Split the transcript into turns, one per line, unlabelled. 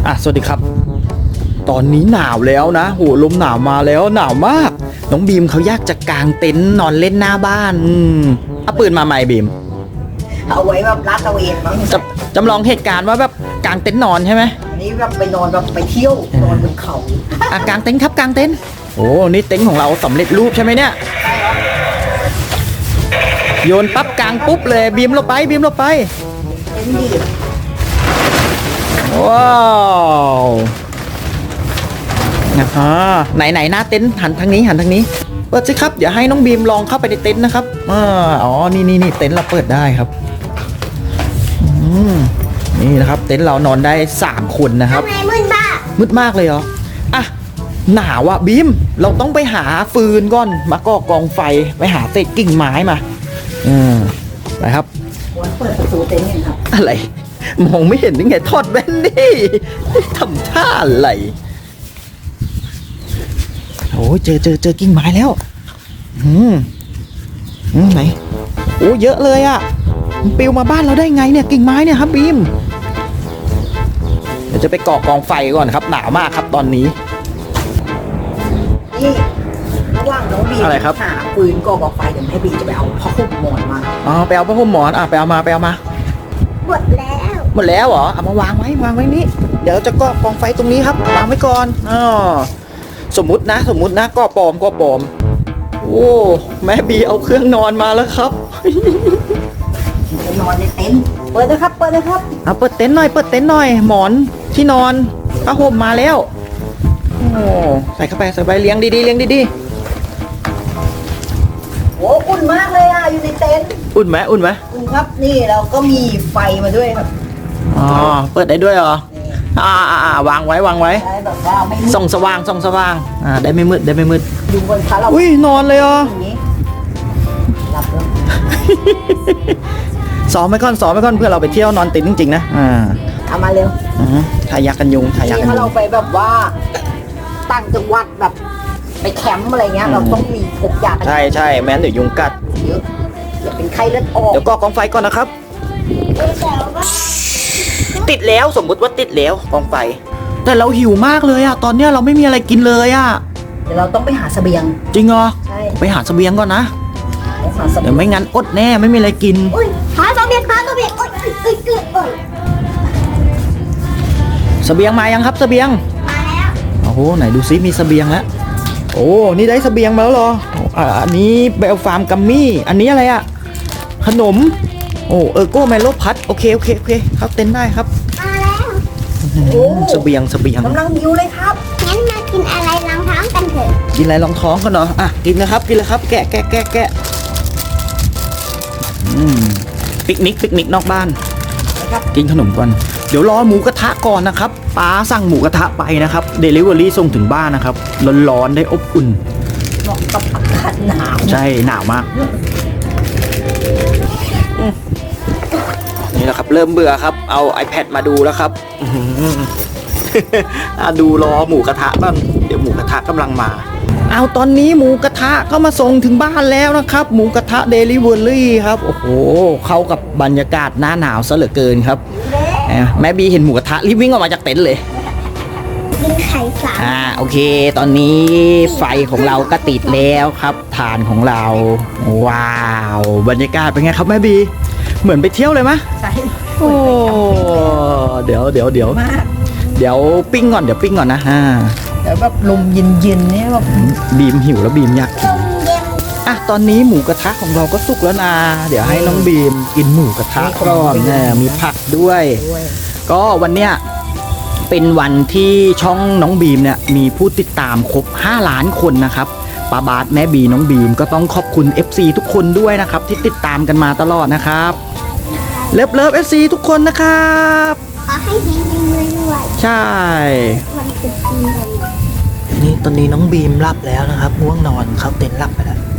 สวัสดีครับตอนนี้หนาวแล้วนะโหลมหนาวมาแล้วหนาวมากน้องบีมเขาอยากจะกางเต็นท์นอนเล่นหน้าบ้านเอาปืนมาใหม่บีม
เอาไว้แบบลาดตระเวนมั้ง
จำลองเหตุการณ์ว่าแบบกางเต็นท์นอนใช่ไหม
อันนี้แบบไปนอนแบบไปเที่ยวนอนบนเขา
กางเต็นท์ครับกางเต็นท์โอ้นี่เต็นท์ของเราสำเร็จรูปใช่ไหมเนี่ยโยนปั๊บกางปุ๊บเลยบีมลงไปบีมลงไป
เต็นท์ดี
ว้าวไหนหน้าเต็นท์หันทางนี้เปิดสิครับเดี๋ยวให้น้องบีมลองเข้าไปในเต็นท์นะครับนี่เต็นท์เราเปิดได้ครับนี่นะครับเต็นท์เรานอนได้3คนนะครับมืดมากเลยเหรอหนาวอ่ะบีมเราต้องไปหาฟืนก่อนมาก่อกองไฟไปหาเศษกิ่งไม้มาไปครับ
เปิดประตูเต็นท์กันครับ
อะไรมองไม่เห็นได้ไงทอดแว่นดิทำท่าอะไรโอ้เจอกิ่งไม้แล้วไหนโอ้เยอะเลยอ่ะมันปลิวมาบ้านเราได้ไงเนี่ยกิ่งไม้เนี่ยครับบีมเดี๋ยวจะไปก่อกองไฟก่อนครับหนาวมากครับตอนนี้
นี่ระหว่างน้องบี
อะไรครับ
หาปืนก่อกองไฟเดี๋ยวให้บีจะไปเอาผ้าห่มหมอนมา
ไปเอาผ้าห่มหมอนไปเอามา
หมด
แล้วเหรอเอามาวางไว้นี่เดี๋ยวจะก่อกองไฟตรงนี้ครับวางไว้ก่อนสมมุตินะก่อปลอมโอ้แม่บีเอาเครื่องนอนมาแล้วครับ
จะนอนในเต็นท์เปิดนะครับเปิด
เต็นท์หน่อยหมอนที่นอนผ้าห่มมาแล้วโอ้ใส่เข้าไปเลี้ยงดี
โอ้อุ่นมากเลยอยู่ในเต็นท์
อุ่นไหมอุ่น
ครับนี่เราก็มีไฟมาด้วยครับ
เปิดได้ด้วยเหรอวางไว้
แบบว่าไม่
ส่องสว่างได้ไม่มืด
ดูบนขาเรา
นอนเลยเหรอ
หลับแล้ว
ซ้อมไว้ก่อนเพื่อเราไปเที่ยวนอนติดจริงๆนะ
เอามาเร็ว
ทายักกันยุง
ถ้าเราไปแบบว่าต่างจังหวัดแบบไปแคมป์อะไรเงี้ยเราต้องมีพกยา
ใช่แม้นเดี๋ยวยุงกัด
เยอะอย่าเป็นไข้เลือดออก
เดี๋ยวก่อกองไฟก่อนนะครับติดแล้วสมมุติว่าติดแล้วกองไฟแต่เราหิวมากเลยตอนเนี้ยเราไม่มีอะไรกินเลย
เดี๋ยวเราต้องไปหาเสบียง
จริงเหรอ
ใช่
ไปหาเสบียงก่อนนะเดี๋ยวไม่งั้นอดแน่ไม่มีอะไรกิน
หาเสบียง
เสบียงมายังครับเสบียง
มาแล้ว
โอ้โหไหนดูซิมีเสบียงแล้วโอ้นี่ได้เสบียงมาแล้วเหรออันนี้เบลฟาร์มกัมมี่อันนี้อะไรขนมโก้แมโลพัดโอเคเข้าเต็นท์ได้ครับ
มาแล้ว
เสบียง
กำลังหิวเลยครับ
งั้นมากินอะไรรองท้องกันเถอะ
กินอะไรรองท้องกันเหรอกินนะครับแกะปิกนิกนอกบ้านกินขนมก่อนเดี๋ยวรอหมูกระทะก่อนนะครับป้าสั่งหมูกระทะไปนะครับเดลิเวอรี่ส่งถึงบ้านนะครับร้อนๆได้อบอุ่น
เหมาะกับอากาศหนาว
ใช่หนาวมากนี่แหละครับเริ่มเบื่อครับเอา iPad มาดูแล้วครับดูรอหมูกระทะบ้างเดี๋ยวหมูกระทะกำลังมาตอนนี้หมูกระทะก็มาส่งถึงบ้านแล้วนะครับหมูกระทะเดลิเวอรี่ครับโอ้โหเข้ากับบรรยากาศหน้าหนาวซะเหลือเกินครับแม่บีเห็นหมูกระทะรีบวิ่งออกมาจากเต็นท์เลย
กินไข่สาม
โอเคตอนนี้ไฟของเราก็ติดแล้วครับถ่านของเราว้าวบรรยากาศเป็นไงครับแม่บีเหมือนไปเที่ยวเลยมะ
ใช่
โอ้เดี๋ยวปิ้งก่อนนะ
เดี๋ยวแบบลมเย็นๆเนี่ยแบบ
บีมหิวแล้วบีมอยากกินตอนนี้หมูกระทะของเราก็สุกแล้วนะเดี๋ยวให้น้องบีมกินหมูกระทะก่อนมีผักด้วยก็วันเนี้ยเป็นวันที่ช่องน้องบีมเนี่ยมีผู้ติดตามครบ5 ล้านคนนะครับป้าบาสแม่บีน้องบีมก็ต้องขอบคุณ FC ทุกคนด้วยนะครับที่ติดตามกันมาตลอดนะครับเลิฟ FC ทุกคนนะครับ
ขอให้เฮงๆด้วย
ใช่
วันตรุษจีน
นี่ตอนนี้น้องบีมหลับแล้วนะครับง่วงนอนเขาเต็นท์หลับไปแล้ว